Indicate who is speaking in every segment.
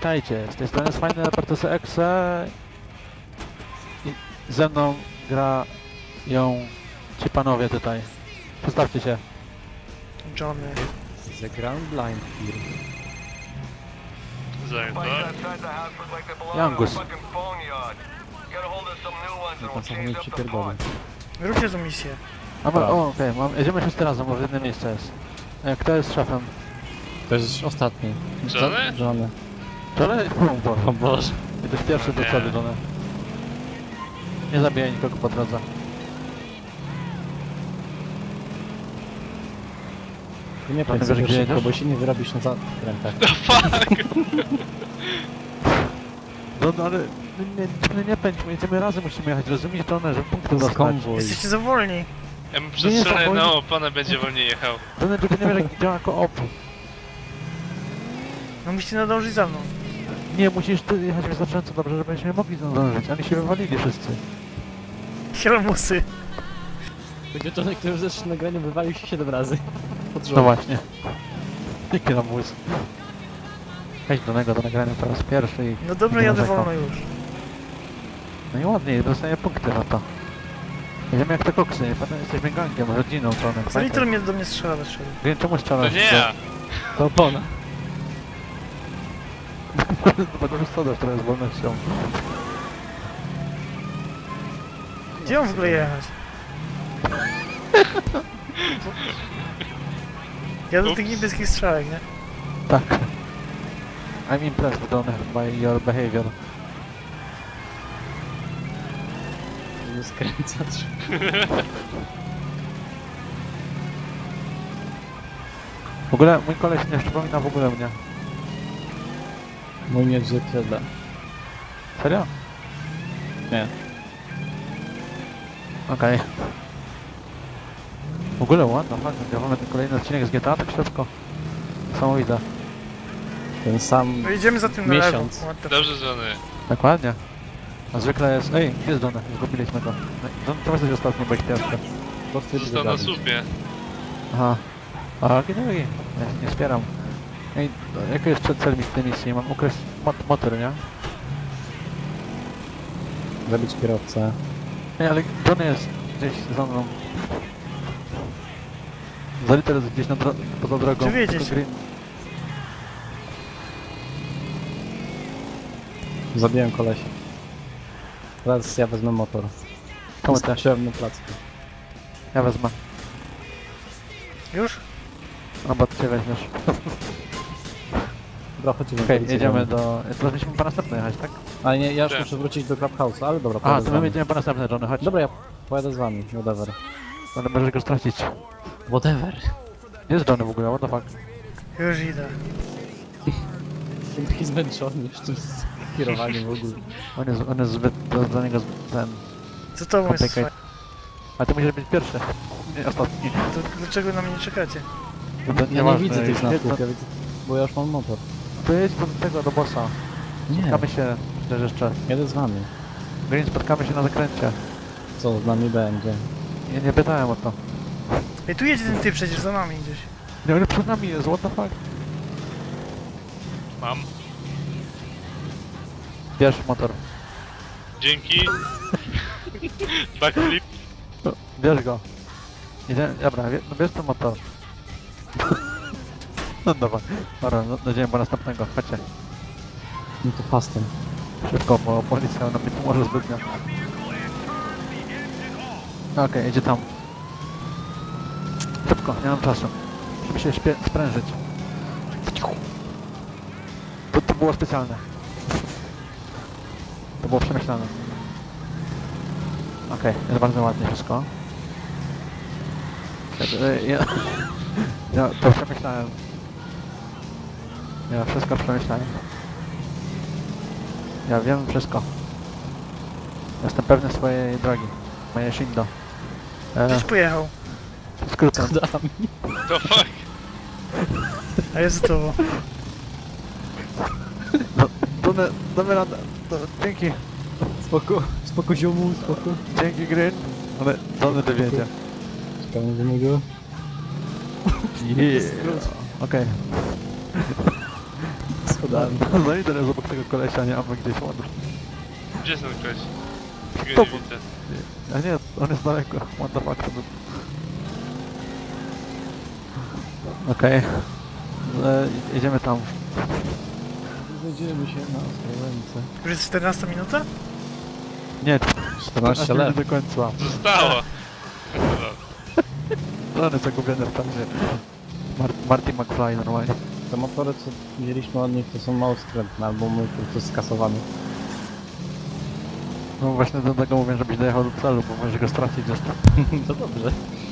Speaker 1: Witajcie, z tej strony jest fajny Robertus Exe i ze mną grają ci panowie tutaj. Przedstawcie się.
Speaker 2: Johnny.
Speaker 3: The Ground Blind here.
Speaker 1: Jangus.
Speaker 3: Pan sam nie przypierdolę.
Speaker 2: Róbcie tą misję.
Speaker 1: Okej, jedziemy wszyscy razem, bo w jednym miejscu jest. Kto jest szefem?
Speaker 3: To jest ostatni.
Speaker 4: Johnny?
Speaker 3: Johnny.
Speaker 1: Johnny?
Speaker 3: O Boże.
Speaker 1: Jesteś pierwszy do przodu, Johnny. Nie zabijaj nikogo po drodze.
Speaker 3: Ty nie
Speaker 1: Johnny,
Speaker 3: pędź
Speaker 1: wiesz,
Speaker 3: sobie
Speaker 1: gdzie
Speaker 3: szybko,
Speaker 1: jedziesz?
Speaker 3: bo się nie wyrobisz na zakrętach.
Speaker 1: No ale nie pędź, my jedziemy razem, musimy jechać, rozumiesz, Johnny, żeby punkty dostać.
Speaker 3: Konwój.
Speaker 2: Jesteście za wolni.
Speaker 4: Ja mu
Speaker 1: Nie,
Speaker 4: przestrzelę
Speaker 1: to
Speaker 4: na
Speaker 1: wolno.
Speaker 4: oponę, będzie wolniej jechał.
Speaker 1: Johnny, ty nie wiesz jak działa koop.
Speaker 2: No musicie nadążyć za mną.
Speaker 1: Nie, musisz ty jechać wystarczająco dobrze, żebyśmy mogli zdążyć. Oni się wywalili wszyscy.
Speaker 2: Hieromusy.
Speaker 3: Będzie Johnny, który w zeszłym nagraniu wywalił się 7 razy. Pod rząd.
Speaker 1: No właśnie. Jaki nam łys. Weź do niego do nagrania po raz pierwszy i...
Speaker 2: No dobra,
Speaker 1: nie
Speaker 2: jadę
Speaker 1: narzekał.
Speaker 2: wolno już.
Speaker 1: No i ładnie, dostaję punkty za to. Jedziemy jak te koksy, potem jesteśmy gangiem, rodziną, Johnny.
Speaker 2: Za litro mnie do mnie strzela bez przodu.
Speaker 1: Wiem, czemu
Speaker 4: To
Speaker 1: strzelasz?
Speaker 4: nie ja!
Speaker 3: To opona.
Speaker 1: Bo to jest soda, która jest wolnością.
Speaker 2: Gdzie mam w ogóle jechać? Ja do tych niebieskich strzałek, nie?
Speaker 1: Tak. I'm impressed, Johnny, by your behavior.
Speaker 3: Nie skręcać.
Speaker 1: W ogóle mój koleś nie przypomina w ogóle mnie.
Speaker 3: Mój nie odzwierciedla.
Speaker 1: Serio?
Speaker 3: Nie.
Speaker 1: Okej. W ogóle ładno, fajnie. Gramy ten kolejny odcinek z GTA tak szybko. Niesamowite.
Speaker 3: Ten sam...
Speaker 2: No idziemy za tym na lewo.
Speaker 3: Miesiąc.
Speaker 2: What the
Speaker 4: Dobrze, Johnny.
Speaker 1: Dokładnie. A zwykle jest... Ej, jest Johnny, zgubiliśmy go. Johnny, to jesteś ostatni, bo ich pierwszy.
Speaker 4: Został na słupie.
Speaker 1: Aha. A, ginęli. Ja się nie wspieram. Ej, jaki jest cel tej misji? Mam ukraść motor, nie?
Speaker 3: Zabić kierowcę.
Speaker 1: Ej, ale Johnny jest gdzieś za mną. Zaliter jest gdzieś poza drogą.
Speaker 2: Czy wiedzieć?
Speaker 1: Tylko green.
Speaker 3: Zabiłem kolesia. Teraz ja wezmę motor.
Speaker 1: Komu te?
Speaker 3: Skoczyłem na placku.
Speaker 1: Ja wezmę.
Speaker 2: Już?
Speaker 1: No bo ty weźmiesz.
Speaker 3: Dobra, chodźmy.
Speaker 1: Okej, jedziemy do... Teraz musimy po następne jechać, tak?
Speaker 3: Ale nie, ja już
Speaker 4: Tak.
Speaker 3: muszę wrócić do Clubhouse'a, ale dobra,
Speaker 1: A,
Speaker 3: pojadę
Speaker 1: to
Speaker 3: z
Speaker 1: my
Speaker 3: wami.
Speaker 1: jedziemy po następne, Johnny, chodź.
Speaker 3: Dobra, ja pojadę z wami, whatever.
Speaker 1: Ale możesz go stracić.
Speaker 3: Whatever.
Speaker 1: Gdzie jest Johnny w ogóle, what the fuck?
Speaker 2: Już idę.
Speaker 3: Jestem taki zmęczony jeszcze z kierowaniem w ogóle.
Speaker 1: On jest zbyt... dla niego zbyt ten...
Speaker 2: Co to jest
Speaker 1: Komplikaj.
Speaker 2: fajne?
Speaker 1: A ty musisz być pierwszy. Nie, ostatni.
Speaker 2: To dlaczego na mnie nie czekacie?
Speaker 1: To
Speaker 3: Ja nie
Speaker 1: nieważne,
Speaker 3: widzę tych
Speaker 1: jedź
Speaker 3: znaków,
Speaker 1: do-
Speaker 3: ja widzę, bo ja już mam motor.
Speaker 1: To jedź do tego, do bossa.
Speaker 3: Nie,
Speaker 1: Spotkamy się, też jeszcze.
Speaker 3: jadę z wami.
Speaker 1: Green, spotkamy się na zakręcie.
Speaker 3: Co z nami będzie?
Speaker 1: Ja nie pytałem o to.
Speaker 2: Ej, tu jedzie ten typ przecież za nami gdzieś.
Speaker 1: Nie, ale przed nami jest, what the fuck?
Speaker 4: Mam.
Speaker 1: Bierz motor.
Speaker 4: Dzięki. Backflip.
Speaker 1: Bierz go. Dobra, no bierz ten motor. No dobra, dobra, no, jedziemy po następnego, chodźcie.
Speaker 3: No to fastem.
Speaker 1: Szybko, bo policja nam nie pomoże zbytnio. Okej, jedzie tam. Szybko, nie mam czasu. Musimy się sprężyć. To było specjalne. To było przemyślane. Okej, jest bardzo ładnie wszystko. Ja to przemyślałem. Ja wszystko przemyślałem. Ja wiem wszystko. Jestem pewny swojej drogi. Moje Shindo.
Speaker 2: Gdzieś pojechał.
Speaker 1: Skrótem.
Speaker 4: To fuck.
Speaker 2: A jest za tobą.
Speaker 1: No, damy radę. Dzięki.
Speaker 3: Spoko ziomu, spoko.
Speaker 1: Dzięki Green. Ale Johnny dowiedzie.
Speaker 3: Czekamy do niego.
Speaker 1: Yeah. Okej.
Speaker 3: Schodami.
Speaker 1: No i teraz obok tego kolesia, nie? A my gdzieś ładnie.
Speaker 4: Gdzie jest ten ktoś?
Speaker 1: To-
Speaker 4: Go nie widzę.
Speaker 1: A nie, on jest daleko. What the fuck? Okej. Jedziemy tam.
Speaker 3: Znajdziemy się na Ostrołęce.
Speaker 2: Już jest 14 minuta?
Speaker 1: Nie,
Speaker 3: 14
Speaker 1: minut
Speaker 3: lat.
Speaker 1: do końca.
Speaker 4: Zostało!
Speaker 1: Rany zagubione w czasie. Marty McFly normalnie.
Speaker 3: Te motory, co wzięliśmy od nich, to są mało skrętne, albo my po prostu skasowany.
Speaker 1: No właśnie do tego mówię, żebyś dojechał do celu, bo możesz go stracić zresztą.
Speaker 3: To dobrze.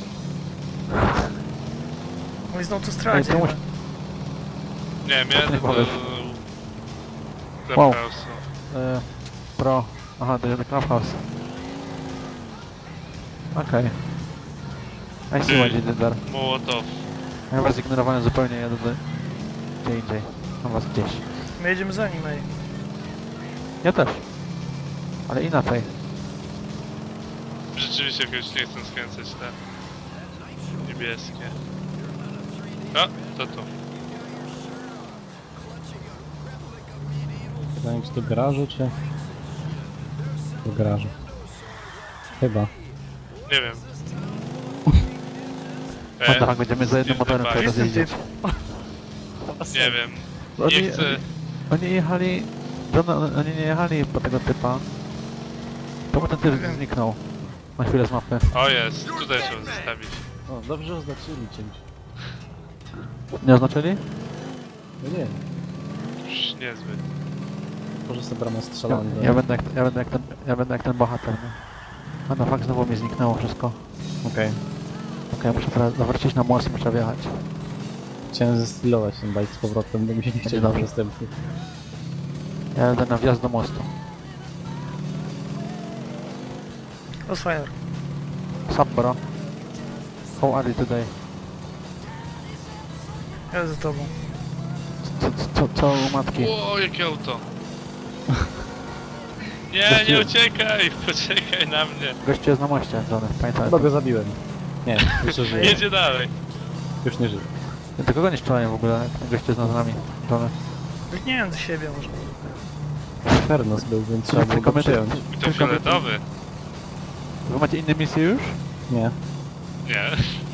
Speaker 2: On jest na
Speaker 1: Ej,
Speaker 2: autostradzie.
Speaker 1: to
Speaker 2: chyba.
Speaker 4: Nie, miałem
Speaker 1: Nie
Speaker 4: do...
Speaker 1: powiesz.
Speaker 4: Clubhouse'u.
Speaker 1: Pro. Aha, to jest the Clubhouse. Okej. I see what you did there.
Speaker 4: Mołotow.
Speaker 1: Ja was ignorowałem zupełnie, jadę gdzie indziej. Mam was gdzieś.
Speaker 2: My jedziemy za nim, ej.
Speaker 1: Ja też. Ale inaczej.
Speaker 4: Rzeczywiście jakoś nie chcę skręcać te niebieskie. A, to tu.
Speaker 3: Pytanie, czy do garażu, czy... Do garażu. Chyba.
Speaker 4: Nie wiem.
Speaker 1: No tak, będziemy za jednym
Speaker 4: nie
Speaker 1: motorem
Speaker 4: wypali.
Speaker 1: teraz
Speaker 2: Jestem
Speaker 1: jeździć.
Speaker 4: Nie wiem.
Speaker 1: Oni,
Speaker 4: Nie chcę.
Speaker 1: oni jechali... Oni nie jechali po tego typa. Czemu ten typ zniknął? Na chwilę z mapy.
Speaker 4: O jest, tutaj trzeba zostawić.
Speaker 3: O, dobrze oznaczyli czymś.
Speaker 1: Nie oznaczyli?
Speaker 3: No nie,
Speaker 4: Już niezbyt.
Speaker 3: może sobie bramę strzelałem.
Speaker 1: Ja będę jak ten bohater, nie? A no fakt, znowu mi zniknęło wszystko.
Speaker 3: Okej.
Speaker 1: Okej, muszę teraz zawrócić na most i muszę wjechać.
Speaker 3: Chciałem zestylować ten bajk z powrotem, bo mi się nie chciał
Speaker 1: dobrze.
Speaker 3: następny.
Speaker 1: Ja jadę na wjazd do mostu.
Speaker 2: Osfire.
Speaker 1: Sup, bro? How are you today?
Speaker 2: Ja za tobą.
Speaker 1: Co u matki?
Speaker 4: O, jakie auto! Nie, nie uciekaj! Poczekaj na mnie!
Speaker 1: Gościu jest na moście, Johnny, pamiętaj.
Speaker 3: Chyba go zabiłem. Nie, jeszcze żyje.
Speaker 4: Jedzie dalej!
Speaker 3: Już nie żyje.
Speaker 1: Do kogo nie strzelałem w ogóle, jak ten gościu jest nad nami, Johnny?
Speaker 2: Nie wiem do siebie może.
Speaker 3: Fernos był, więc trzeba było
Speaker 1: Tylko
Speaker 3: go
Speaker 1: my-
Speaker 3: przyjąć.
Speaker 4: I to fioletowy!
Speaker 1: Wy macie inne misje już?
Speaker 3: Nie.
Speaker 4: Nie.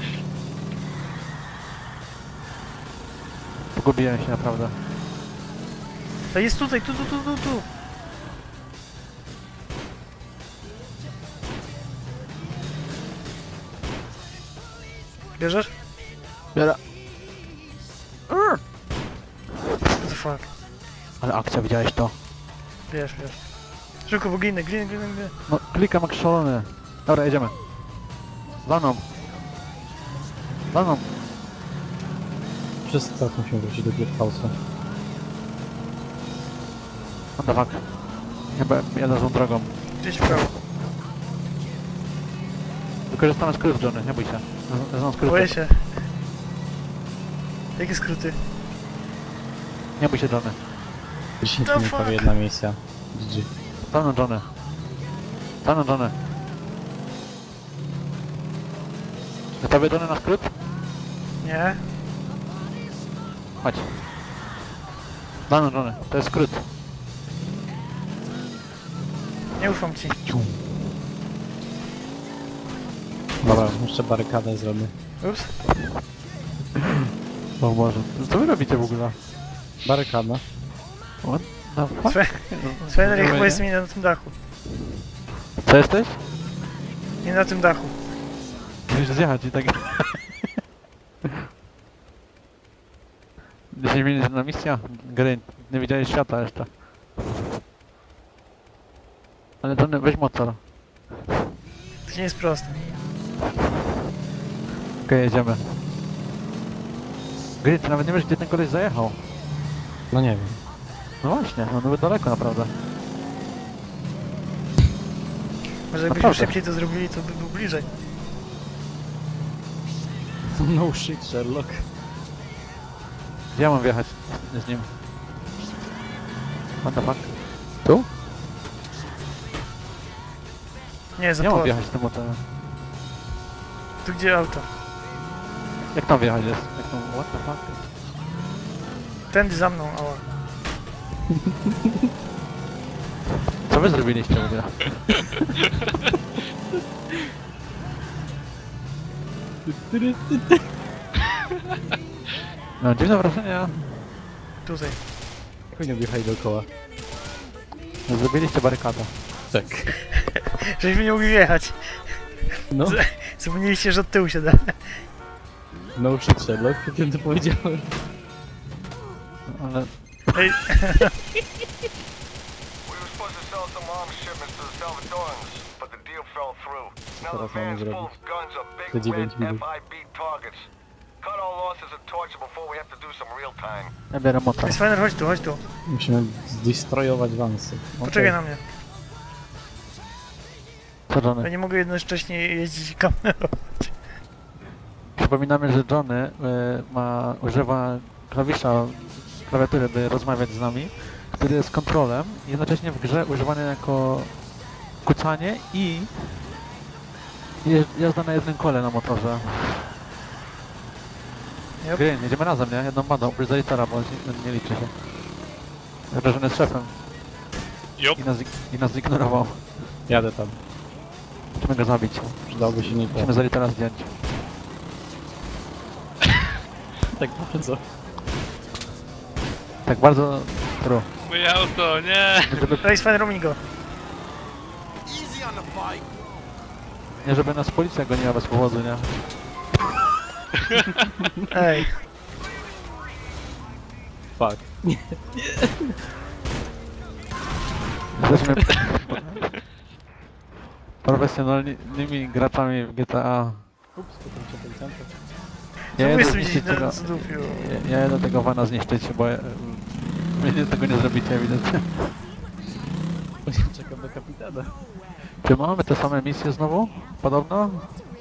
Speaker 1: Pogubiłem się naprawdę.
Speaker 2: To jest tutaj, tu. Bierzesz?
Speaker 1: Biera.
Speaker 2: What the fuck?
Speaker 1: Ale akcja, widziałeś to?
Speaker 2: Wiesz. Szybko, bo ginę.
Speaker 1: No, klikam jak szalony. Dobra, jedziemy. Za mną. Za mną.
Speaker 3: Wszyscy teraz musimy wrócić do Clubhouse'a.
Speaker 1: What the fuck? Chyba jadę złą drogą.
Speaker 2: Gdzieś w prawo.
Speaker 1: Wykorzystamy skrót, Johnny, nie bój się. Znam skrót.
Speaker 2: Boję się. Jakie skróty?
Speaker 1: Nie bój się, Johnny.
Speaker 3: 10
Speaker 2: The
Speaker 3: minut,
Speaker 2: fuck?
Speaker 3: prawie jedna misja. GG.
Speaker 1: Za mną, Johnny. Za mną, Johnny. Gotowy, Johnny, na skrót?
Speaker 2: Nie?
Speaker 1: Chodź. Za mną, Johnny. To jest skrót.
Speaker 2: Nie ufam ci.
Speaker 3: Dobra, jeszcze barykadę zrobię.
Speaker 2: Ups.
Speaker 1: O Boże. Co wy robicie w ogóle?
Speaker 3: Barykada.
Speaker 1: What the fuck?
Speaker 2: Svener
Speaker 1: Nie
Speaker 2: chyba
Speaker 1: będzie?
Speaker 2: jest mi na tym dachu.
Speaker 1: Co jesteś?
Speaker 2: Nie na tym dachu.
Speaker 1: Musisz zjechać i tak... 10 minut na misja gry. Nie widziałeś świata jeszcze. Ale Johnny, weź motor.
Speaker 2: To nie jest proste.
Speaker 1: Okej, jedziemy. Gry, ty nawet nie wiesz, gdzie ten koleś zajechał.
Speaker 3: No nie wiem.
Speaker 1: No właśnie, on był daleko naprawdę.
Speaker 2: Może jakbyśmy
Speaker 1: Naprawdę.
Speaker 2: szybciej to zrobili, to by był bliżej.
Speaker 3: No shit, Sherlock.
Speaker 1: Gdzie ja mam wjechać z nim? What the fuck? Tu?
Speaker 2: Nie, za
Speaker 1: Nie mam
Speaker 2: płot.
Speaker 1: wjechać z tym motorem.
Speaker 2: Tu gdzie auto?
Speaker 1: Jak tam wjechać jest? Jak tam, what the fuck?
Speaker 2: Tędy za mną, ała.
Speaker 1: Co wy zrobiliście w ogóle? No, dziwne wrażenia.
Speaker 2: Tutaj.
Speaker 3: Jak oni objechali dookoła?
Speaker 1: Zrobiliście barykadę.
Speaker 3: Tak.
Speaker 2: Żeśmy nie mogli jechać.
Speaker 3: No,
Speaker 2: Zapomnieliście, że od tyłu się da.
Speaker 3: no shit Sherlock, kiedy to powiedziałem.
Speaker 1: Ale
Speaker 2: Ej,
Speaker 5: We were supposed to sell some arms shipments to the Salvadorans, but the deal fell through. Now
Speaker 3: Teraz
Speaker 5: the
Speaker 3: mamy
Speaker 5: van's full
Speaker 3: zrobić.
Speaker 5: of guns are
Speaker 3: Te
Speaker 5: big
Speaker 3: 9
Speaker 5: red
Speaker 3: minut.
Speaker 5: FIB targets. Cut all losses and torture before we have to do some real time.
Speaker 1: ja biorę motor.
Speaker 2: Spawner, chodź tu, chodź tu.
Speaker 3: Musimy zdestroyować wansy.
Speaker 2: Poczekaj na mnie.
Speaker 1: Co
Speaker 2: Ja
Speaker 1: Johnny?
Speaker 2: nie mogę jednocześnie jeździć kamerą.
Speaker 1: Przypominamy, że Johnny używa klawiatury, by rozmawiać z nami, który jest kontrolem, jednocześnie w grze używany jako kucanie i jazda na jednym kole na motorze.
Speaker 2: Yep.
Speaker 1: Green, jedziemy razem, nie? Jedną bandą, oprócz Zalitera, bo on nie liczy się. Chyba, że on jest szefem
Speaker 4: Jop.
Speaker 1: i nas zignorował.
Speaker 3: Jadę tam.
Speaker 1: Musimy go zabić.
Speaker 3: Przydałoby się nie to.
Speaker 1: Musimy Zalitera zdjąć.
Speaker 3: Tak bardzo.
Speaker 1: Tak bardzo... True.
Speaker 4: Moje auto, nie!
Speaker 2: Ej, Spawner, omiń go.
Speaker 1: Nie, żeby nas policja goniła bez powodu, nie?
Speaker 2: Ej,
Speaker 3: Fuck.
Speaker 1: Jesteśmy profesjonalnymi graczami w GTA.
Speaker 3: Ups, potem się policjanta.
Speaker 1: Ja
Speaker 2: co
Speaker 1: jedę
Speaker 2: jestem
Speaker 1: zniszczyć
Speaker 2: gdzieś
Speaker 1: tego,
Speaker 2: na zdupiu.
Speaker 1: ja jedę tego vana zniszczyć, bo wy tego nie zrobicie ewidentnie.
Speaker 3: Czekam na kapitana.
Speaker 1: Czy mamy te same misje znowu? Podobno?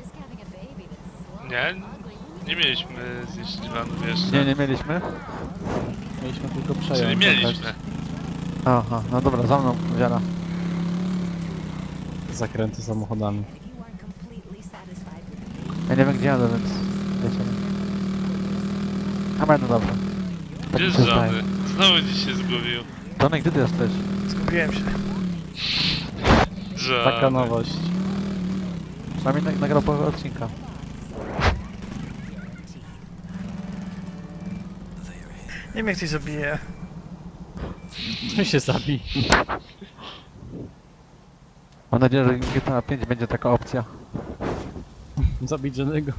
Speaker 4: Nie? Nie mieliśmy zniszczyć vanów jeszcze.
Speaker 1: Nie, nie mieliśmy.
Speaker 3: Mieliśmy tylko
Speaker 4: Czyli
Speaker 3: przejąć.
Speaker 4: mieliśmy.
Speaker 1: Aha, no dobra, za mną, wiara.
Speaker 3: Zakręty samochodami.
Speaker 1: Ja nie wiem gdzie jadę, więc wiecie. A no dobra. Tak
Speaker 4: Gdzie
Speaker 1: mi
Speaker 4: jest
Speaker 1: się zdaje.
Speaker 4: żony? Znowu dziś się zgubił.
Speaker 1: Johnny, gdzie ty jesteś?
Speaker 2: Zgubiłem się.
Speaker 4: Żony.
Speaker 3: Taka nowość.
Speaker 1: Przynajmniej nagrał połowę odcinka.
Speaker 2: Nie wiem, jak ktoś zabije.
Speaker 3: Tu się zabij.
Speaker 1: Mam nadzieję, że w GTA 5 będzie taka opcja.
Speaker 3: Zabić żadnego.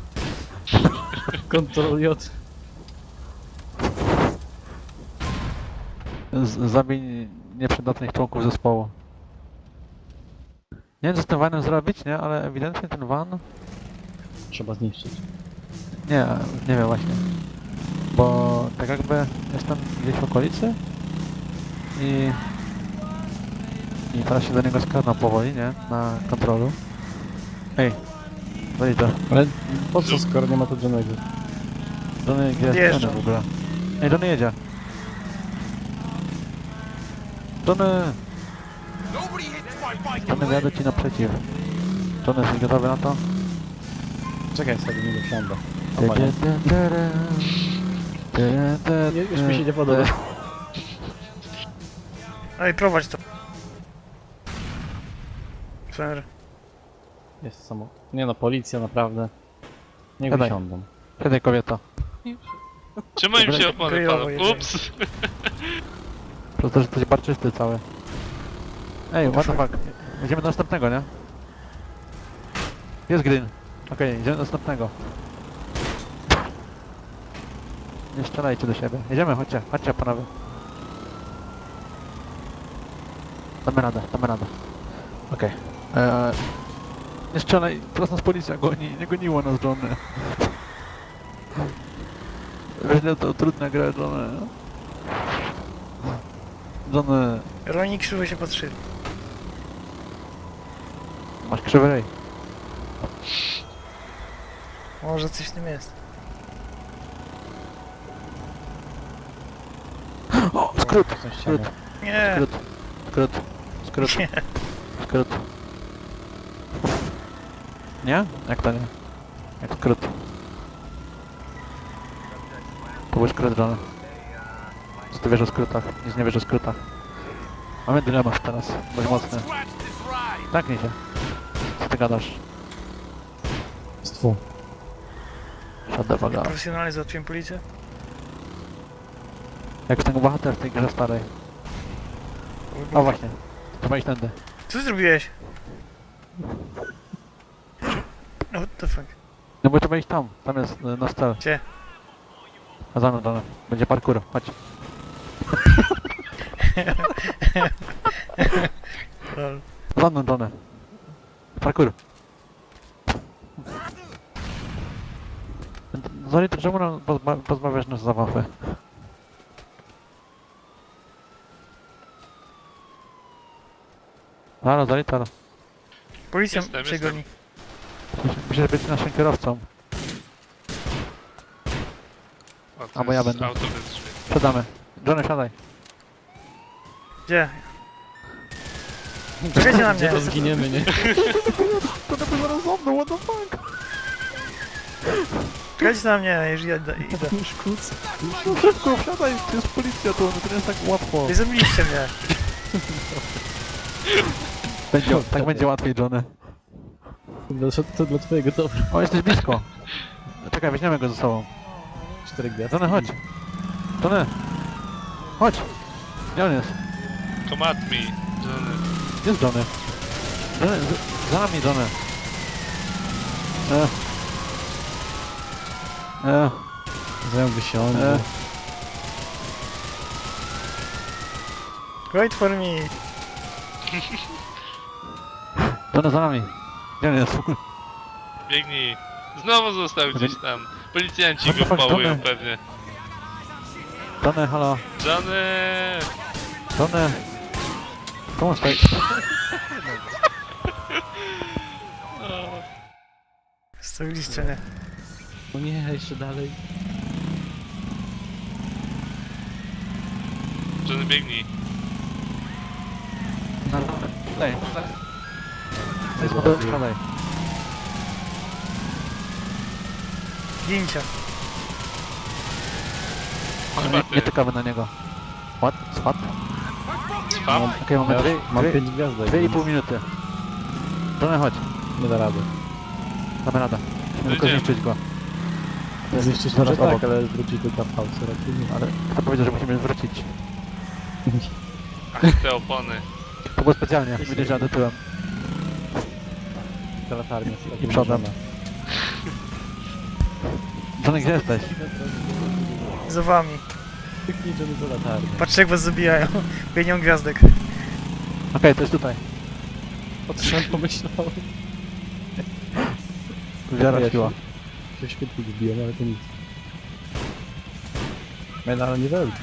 Speaker 3: Ctrl J.
Speaker 1: Zabij nieprzydatnych członków zespołu. Nie wiem co z tym vanem zrobić, nie? Ale ewidentnie ten van...
Speaker 3: Trzeba zniszczyć.
Speaker 1: Nie wiem właśnie. Bo tak jakby jestem gdzieś w okolicy i teraz się do niego skradam powoli, nie? Na kontrolu. Ej, daj to.
Speaker 3: Ale po co, skoro nie ma tu żadnego?
Speaker 1: Johnny, gdzie jest
Speaker 2: Odjeżdżam.
Speaker 1: Johnny w ogóle? Ej, Johnny jedzie. Johnny! Johnny, wyjadę ci naprzeciw. Johnny, jesteś gotowy na to?
Speaker 3: Czekaj, sobie nie dosiądę. O, nie, już mi się nie podoba.
Speaker 2: Ej, prowadź to. Spawner.
Speaker 3: Jest samo. Nie no, policja naprawdę. Nie
Speaker 1: Siadaj.
Speaker 3: wysiądą.
Speaker 1: Siadaj, kobieto.
Speaker 4: Czemu im się opony
Speaker 2: Kryjowo
Speaker 4: palą?
Speaker 2: jedziemy.
Speaker 4: Ups!
Speaker 1: Przez to, że jesteś barczysty cały. Ej, what the fuck. Idziemy do następnego, nie? Jest green. Okej, idziemy do następnego. Nie strzelajcie do siebie. Jedziemy, chodźcie, chodźcie panowie. Damy radę, damy radę. Okej. Nie strzelaj, teraz nas policja goni, nie goniło nas Johnny. Weźle to trudna gra Johnny. Johnny,
Speaker 2: Roni krzywo się patrzyli.
Speaker 1: masz krzywy rej.
Speaker 2: Może coś w tym jest.
Speaker 1: O, skrót,
Speaker 3: Coś się
Speaker 1: skrót,
Speaker 2: Nie,
Speaker 1: skrót, skrót, skrót,
Speaker 2: nie.
Speaker 1: skrót. Nie? Jak to nie? Jak skrót. To był skrót Johnny. Co ty wiesz o skrótach? Nic nie wiesz o skrótach. Mamy dylemat teraz, dość mocny. Taknij się. Co ty gadasz?
Speaker 3: Stwu.
Speaker 1: Shut the fuck up.
Speaker 2: Profesjonalnie załatwiłem policję.
Speaker 1: Jak ten bohater w tej grze starej. O właśnie. Trzeba iść tędy.
Speaker 2: Co ty zrobiłeś? No what the fuck?
Speaker 1: No bo trzeba iść tam. Tam jest nasz cel.
Speaker 2: Gdzie?
Speaker 1: A za mną, Johnny. Będzie parkour. Chodź.
Speaker 2: Lol.
Speaker 1: Za mną, Johnny. Parkour. Zoli, to czemu nam pozbawiasz nas zabawy? Halo, Zoli, halo.
Speaker 2: Policja
Speaker 4: Jestem,
Speaker 2: przegoni.
Speaker 1: Musisz być naszym kierowcą.
Speaker 4: O, to
Speaker 1: Albo ja
Speaker 4: jest
Speaker 1: będę.
Speaker 4: auto bez drzwi.
Speaker 1: Siadamy. Johnny, siadaj.
Speaker 2: Gdzie? Czekajcie na
Speaker 3: Gdzie
Speaker 2: mnie.
Speaker 3: to zginiemy, nie?
Speaker 1: To na pewno zaraz za mną, what the fuck?
Speaker 2: Czekajcie na mnie, jeżeli ja idę.
Speaker 3: Już kuc.
Speaker 1: Szybko, wsiadaj, to jest policja, to nie jest tak łatwo.
Speaker 2: Nie zabiliście mnie.
Speaker 1: Będzie, tak będzie łatwiej, Johnny.
Speaker 3: To dla twojego dobra.
Speaker 1: O, jesteś blisko. Czekaj, weźmiemy go ze sobą.
Speaker 3: 4 gwiazdy.
Speaker 1: Johnny, chodź. Johnny. Chodź. Gdzie on jest?
Speaker 4: Come at me, Johnny.
Speaker 1: Gdzie jest Johnny? Johnny, za nami, Johnny.
Speaker 3: Zająłby się on.
Speaker 1: E.
Speaker 2: Wait for me.
Speaker 1: Johnny, za nami. Gdzie on jest?
Speaker 4: Biegnij. Znowu został gdzieś tam. Policjanci
Speaker 1: What the
Speaker 4: go
Speaker 1: fuck,
Speaker 4: pałują
Speaker 1: Johnny?
Speaker 4: pewnie.
Speaker 1: Johnny, halo.
Speaker 4: Johnny!
Speaker 1: Johnny. Komu stoi?
Speaker 2: Stawiliście mnie.
Speaker 3: O nie, jeszcze dalej.
Speaker 4: Johnny, biegnij.
Speaker 1: Daj. Siadaj.
Speaker 2: Gincie.
Speaker 4: Chyba
Speaker 1: Nie
Speaker 4: ty.
Speaker 1: czekamy na niego. What? What?
Speaker 4: Spam?
Speaker 1: Okej, mamy
Speaker 3: Ja mam
Speaker 1: dwie
Speaker 3: 5 gwiazdek.
Speaker 1: i
Speaker 3: więc
Speaker 1: pół minuty. Johnny, chodź.
Speaker 3: Nie da rady.
Speaker 1: Damy radę. Musimy tylko
Speaker 4: Idziemy.
Speaker 1: zniszczyć go.
Speaker 3: Zniszczyć
Speaker 1: zaraz
Speaker 3: może
Speaker 1: obok.
Speaker 3: tak, ale wróci do kapałce raczej nie.
Speaker 1: Ale kto powiedział, że musimy wrócić?
Speaker 4: Ach, te opony.
Speaker 1: To było specjalnie, widzisz, że jadę tyłem.
Speaker 3: Ta latarnia.
Speaker 1: I przodem. Johnny, gdzie jesteś?
Speaker 2: Za wami.
Speaker 3: Tyknij Johnny za latarnię.
Speaker 2: Patrzcie jak was zabijają. Bo ja nie mam gwiazdek.
Speaker 1: Okej, to jest tutaj.
Speaker 3: O co sam pomyślałem?
Speaker 1: Wiara siła.
Speaker 3: Się świetnie wbiłem, ale to nic. Ale nie wielki.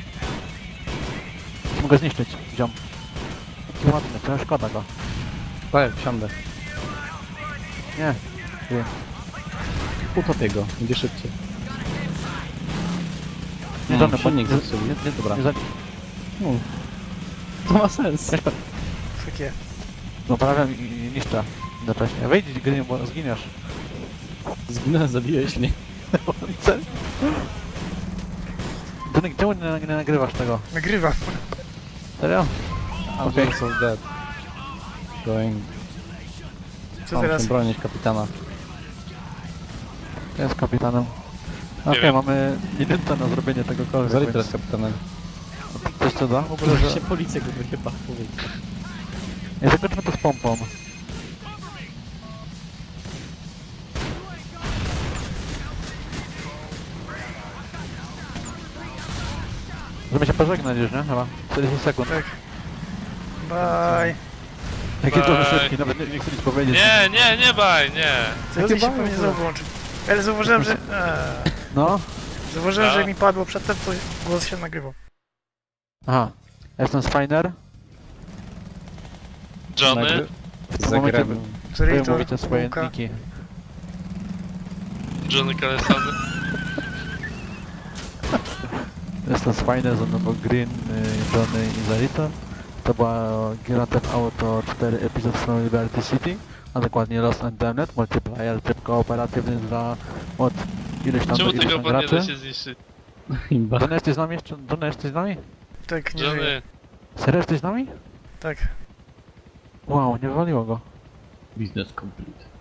Speaker 1: Mogę zniszczyć, ziom. Jaki ładny, trochę szkoda go.
Speaker 3: Tak, wsiądę.
Speaker 1: Nie. Wiem.
Speaker 3: Utopię go, będzie szybciej.
Speaker 1: Nie,
Speaker 3: No,
Speaker 1: Johnny, bo
Speaker 3: silnik
Speaker 1: nie,
Speaker 3: zepsuł.
Speaker 1: nie,
Speaker 3: Dobra.
Speaker 1: nie,
Speaker 3: No. To ma sens.
Speaker 2: Takie.
Speaker 1: Naprawiam i niszczę. Jednocześnie. Wejdź, gry, bo zginiesz.
Speaker 3: Zginąłem, zabiłeś mnie.
Speaker 1: Johnny, czemu nie nagrywasz tego?
Speaker 2: Nagrywam.
Speaker 1: Serio? Okej.
Speaker 3: Okay. So dead. Going.
Speaker 2: Co
Speaker 3: Mam
Speaker 2: teraz?
Speaker 3: się bronić kapitana.
Speaker 1: Ja jest kapitanem. Okej,
Speaker 4: wiem.
Speaker 1: mamy minutę na zrobienie tego kolor.
Speaker 3: Zali teraz kapitanem.
Speaker 1: Coś co da? W ogóle, że...
Speaker 3: się policja go chyba powiedzieć.
Speaker 1: Nie zakończmy to z pompą. Żeby się pożegnać już, nie? Chyba. 40 sekund.
Speaker 2: Tak. Bye.
Speaker 1: Jaki to
Speaker 4: Bye.
Speaker 1: szybki, nawet nie chcę nic powiedzieć.
Speaker 4: Nie baj, nie.
Speaker 2: Co się
Speaker 1: bały
Speaker 2: pewnie
Speaker 1: to?
Speaker 2: znowu włączy. Ale zauważyłem, że...
Speaker 1: No.
Speaker 2: Zauważyłem,
Speaker 4: A?
Speaker 2: że mi padło przedtem, to głos się nagrywał.
Speaker 1: Aha. Ja jestem Spiner.
Speaker 4: Johnny?
Speaker 1: W tym momencie
Speaker 3: Zagrałem.
Speaker 1: wy
Speaker 2: Creator,
Speaker 1: mówicie swoje
Speaker 2: Łuka.
Speaker 1: niki.
Speaker 4: Johnny Kalesony?
Speaker 1: Jestem Spiner, ze mną był Green, Johnny i Zarita. To była Grand Theft Auto 4 epizod from Liberty City, a dokładnie Lost and Damned, multiplayer, tryb kooperatywny dla od ileś tam do
Speaker 4: Czemu
Speaker 1: ileś
Speaker 4: tego
Speaker 1: tam
Speaker 4: opon nie da
Speaker 1: graczy.
Speaker 4: się zniszczyć?
Speaker 3: Imba.
Speaker 1: Johnny, jesteś z nami jeszcze? Johnny, jesteś z nami?
Speaker 2: Tak, nie żyje.
Speaker 4: Johnny,
Speaker 1: Serio, jesteś z nami?
Speaker 2: Tak.
Speaker 1: Wow, nie wywaliło go.
Speaker 3: Business complete.